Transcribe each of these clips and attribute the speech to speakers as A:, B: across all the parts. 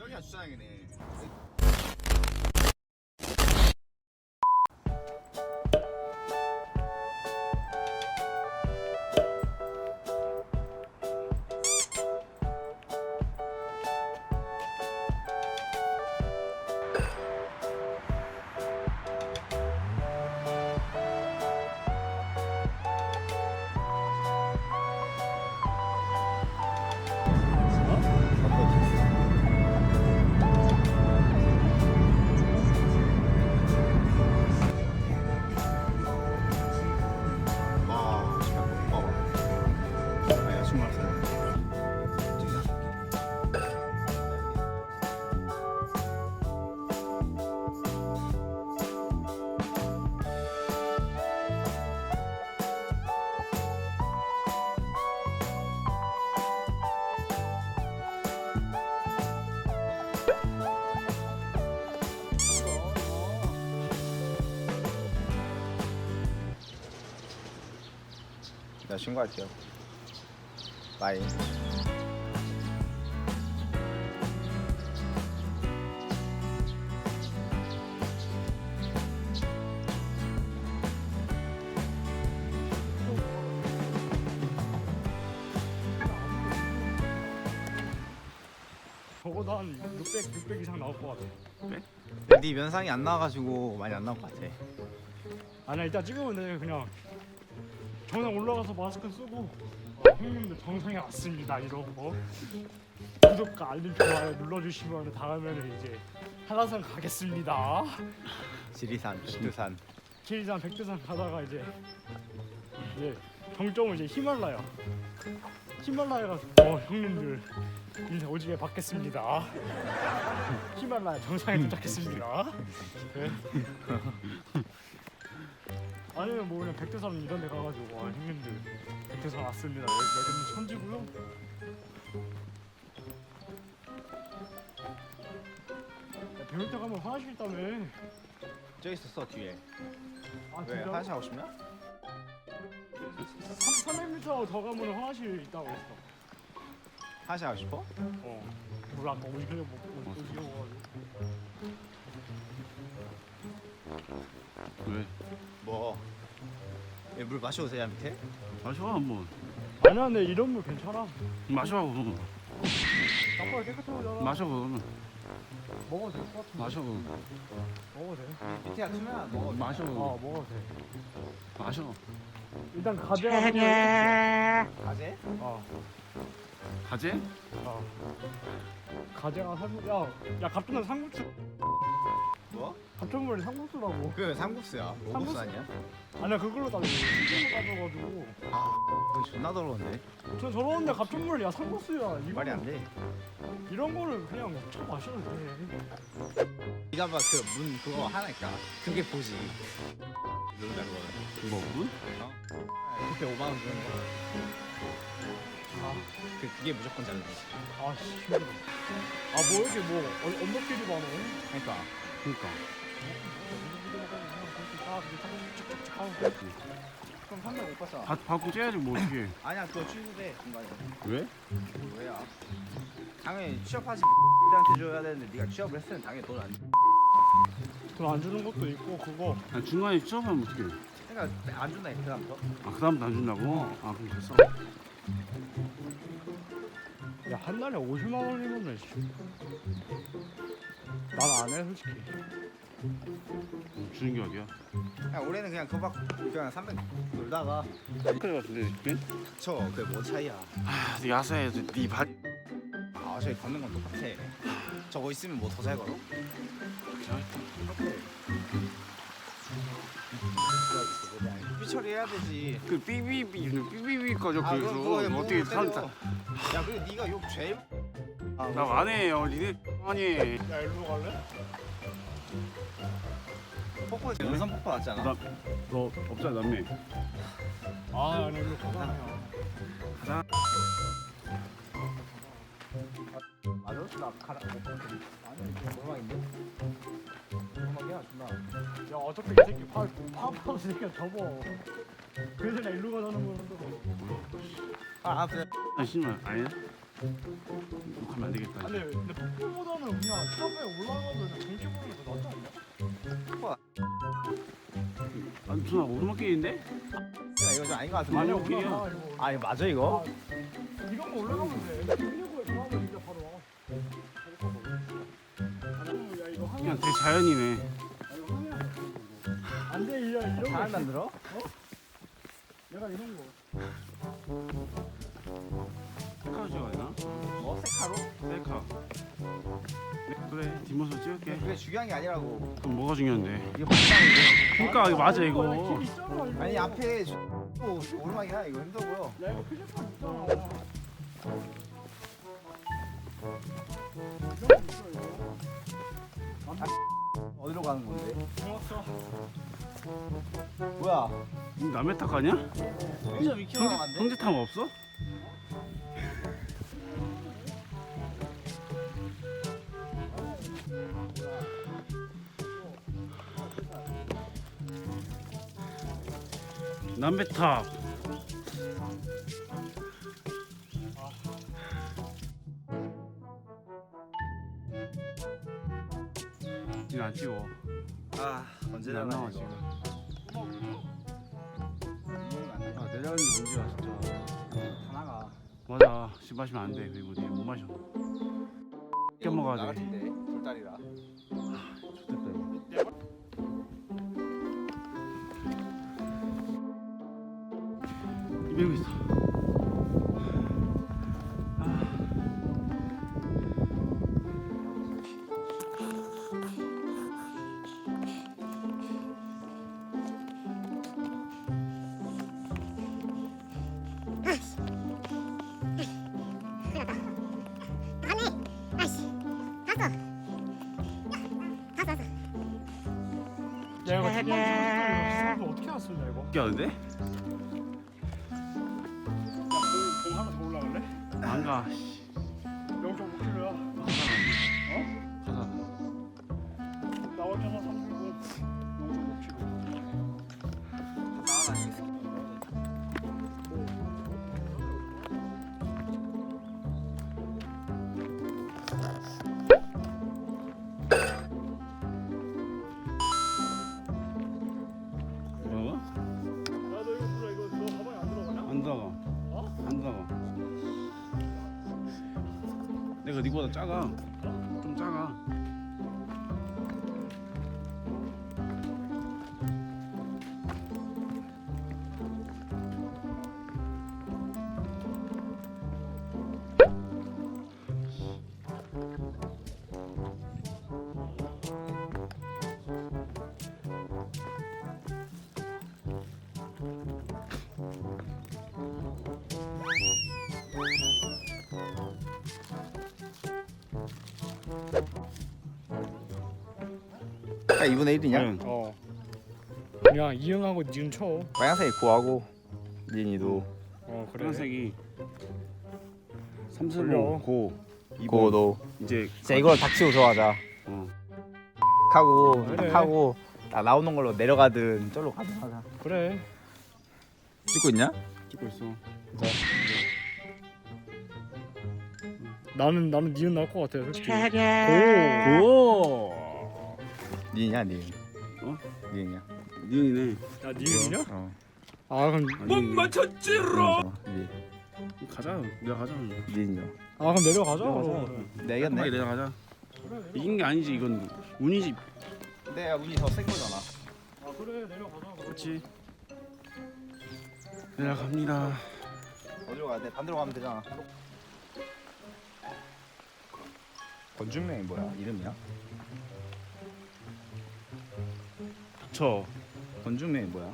A: 저기가 주차장이네. 나 신고할게요. 바이.
B: 적어도 한 600 이상 나올 것 같아.
A: 네 면상이 안 나와가지고 많이 안 나올 것 같아.
B: 아니야, 이따 찍으면 돼. 그냥 정상 올라가서 마스크 쓰고 형님들 정상에 왔습니다 이러고 구독과 알림 좋아요 눌러주시면 다음에는 이제 한라산 가겠습니다.
A: 지리산, 백두산.
B: 지리산 백두산 가다가 이제 정점은 이제 히말라야 가서 형님들 인사 오지게 받겠습니다. 히말라야 정상에 도착했습니다. 네. 아니면 뭐 그냥 백두산 이런 데 가가지고 형님들 백두산 왔습니다. 여기는 천지고요. 배울때 가면 화장실 있다며.
A: 저기 있었어 뒤에.
B: 아
A: 왜
B: 진짜?
A: 화장실 하고 싶냐?
B: 300m 더 가면 화장실 있다고 했어.
A: 화장실 하고 싶어?
B: 몰라, 아까 오지게 오지게
C: 왜?
A: 뭐? 물 마셔도 되냐 밑에?
C: 마셔 한번.
B: 아니야, 근데 이런 물 괜찮아.
C: 마셔 그러면.
B: 아빠가 깨끗하잖아.
C: 마셔 그러면.
B: 먹어도 될 것 같은데.
C: 마셔 그러면.
B: 먹어도 돼.
A: 밑에 약수면 먹어.
C: 마셔 그러면.
B: 먹어도 돼.
C: 마셔.
B: 일단 가재가 사면
A: 가재?
C: 가재?
B: 가재가 사면 야 갑자기 삼국수.
A: 뭐?
B: 갑자기 삼국수라고.
A: 그 삼국수야. 오국수 아니야?
B: 아니야, 그걸로 따져. 이걸로 따져가지고.
A: 그건 존나 더러운데.
B: 저 저러는데 갑자기 야 삼국수야.
A: 말이 안 돼.
B: 이런 거를 그냥 쳐 마셔도 돼.
A: 네가 봐 그 문 그거 하나 있다. 그게 보지. 누르다 그거는.
C: 뭐 문?
A: 그때 5만 원 주는 거. 그게 무조건 잘라.
B: 아씨 힘들어. 뭐 이렇게 뭐 언덕길이 많아.
A: 그러니까.
C: 그러니까.
A: 그럼 300 못 봤어.
C: 받고 째야지 뭐 어떻게?
A: 아니야 그거 취소돼 중간에.
C: 왜?
A: 뭐야? 당연히 취업하지 한테 줘야 되는데 네가 취업을 했으면 당연히 돈 안 줘.
B: 돈안 주는 것도 있고 그거.
C: 아, 중간에 취업하면 어떻게?
A: 그러니까 안 준다 그다음부터.
C: 아 그다음부터 안 준다고? 아 그럼 됐어.
B: 야 한 달에 50만 원이면은 난 안 해 솔직히.
C: 주는 게 어디야?
A: 야 올해는 그냥 그거 받고 그냥 300 놀다가
C: 그래 같은데 그게?
A: 저 그게 뭐 차이야?
C: 아 야사해서 네 발.
A: 아 저기 걷는 건 똑같아. 저거 있으면 뭐 더 잘 걸어? 삐 처리해야 되지.
C: 그 삐삐삐 거죠
A: 아,
C: 그래서
A: 그거
C: 어떻게
A: 뭐
C: 산다?
A: 야 그리고 네가 욕 제일.
C: 나 안 해요. 니네 아니.
B: 야 일로 갈래?
A: 폭포에서 연선 폭포 났잖아.
C: 너 없잖아 남매.
B: 아 아니 일로 가자.
A: 맞아? 나 가라. 아니 이거 노랑인데? 노랑이야 존나.
B: 야 어차피 이 새끼 파파로 새끼가 접어. 그래서 나 일로 가자는 거였어.
A: 아 그래.
C: 아 씨발 아니야? 욕하면 안 되겠다.
B: 아니 근데 폭포보다는 그냥 탑에 올라가면 경치 보는 게 더 낫지 않냐?
C: 아 무슨 오르막길인데?
A: 야, 이거 좀 아닌 것 같은데.
C: 아니야,
B: 올라가,
C: 길이야.
B: 이거.
A: 아니 맞아 이거?
B: 이런 거 올라가면 돼. 필리고에 들어가면 진짜 바로 와. 야 이거 하면
C: 그냥 되게 자연이네.
B: 안돼 이런 거.
A: 잘 만들어?
B: 내가 이런 거.
C: 셀카 찍어야 되나?
A: 뭐 세카로?
C: 셀카. 네, 그래 뒷모습 찍을게.
A: 그게 중요한 게 아니라고.
C: 그럼 뭐가 중요한데?
A: 이거 방향이
C: 그러니까 이거 맞아
B: 길
C: 이거.
B: 있잖아 이거.
A: 아니 앞에 오르막이야 이거 힘들어 보여.
B: 야 이거 필리폰 있잖아. 이런 거 있어 이거.
A: 어디로 가는 건데?
B: 좋았어.
A: 뭐야?
C: 이거 남의 탓 아니야?
A: 1.2km 남았는데?
C: 형제탐 없어? 남배탑. 지금 안 찍어.
A: 아 언제
C: 안 나와 지금. 아 내려가는 게 문제야 진짜.
A: 다 나가.
C: 맞아. 술 마시면 안 돼. 그리고 못 마셔. 깨 먹어야 돼.
A: 나같은데 돌다리라.
C: 좋겠다 이거. 이러고 있어.
B: 야 이거 뒷만 좀 어떻게 왔었냐 이거?
C: 웃겨 하는데?
B: 공 하나 더 올라갈래?
C: 안 가.
B: 0.5km야.
C: 가자.
B: 나왔잖아 360. 0.5km.
A: 나가다니겠어.
C: 뭐라고?
B: 야너 이거 몰라 이거 너 가방에 안 들어가냐?
C: 안 들어가.
B: 어?
C: 안 들어가. 내가 니보다 작아. 좀 작아.
A: 야 2분의 1이냐?
B: 어. 그냥 이응하고 니은 쳐.
A: 빨간색이 고하고 니니도
B: 어 그래.
C: 빨간색이
B: 올려.
C: 삼슬로 고
A: 고도.
C: 이제
A: 진짜 이걸 닥치고 들어가자.
C: 어.
A: 하고
B: 그래.
A: 딱 하고 딱 나오는 걸로 내려가든 저로 가든 하자.
B: 그래.
A: 찍고 있냐?
C: 찍고 있어.
B: 나는 니은 나올 것 같아 솔직히.
C: 고.
A: 니냐 니?
C: 어?
A: 니냐?
C: 니은이네.
B: 야 니은이냐?
A: 어.
B: 아 그럼
C: 못 맞췄지로.
A: 니
C: 가자. 내려가자.
A: 니냐?
B: 아 그럼 내려가자.
C: 내려가자.
A: 내겠네.
C: 빨리 내려가자. 이긴 게 아니지 이건 운이지.
A: 내가 운이 더 센 거잖아.
B: 아 그래 내려가자.
C: 그렇지. 내려갑니다.
A: 어디로 가야 돼? 반대로 가면 되잖아. 권준명이 뭐야? 이름이야?
C: 저
A: 권준명이 뭐야?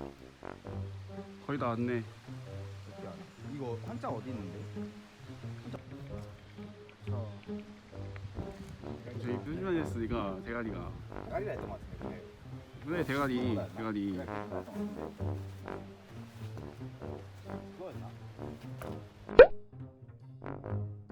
C: 거의 다 왔네.
A: 이거 한자 어디 있는데?
C: 저희 표지만 했으니까 대가리가.
A: 까리라 했던 것 같은데.
C: 그래 대가리 대가리.
A: 그래, 그거였나?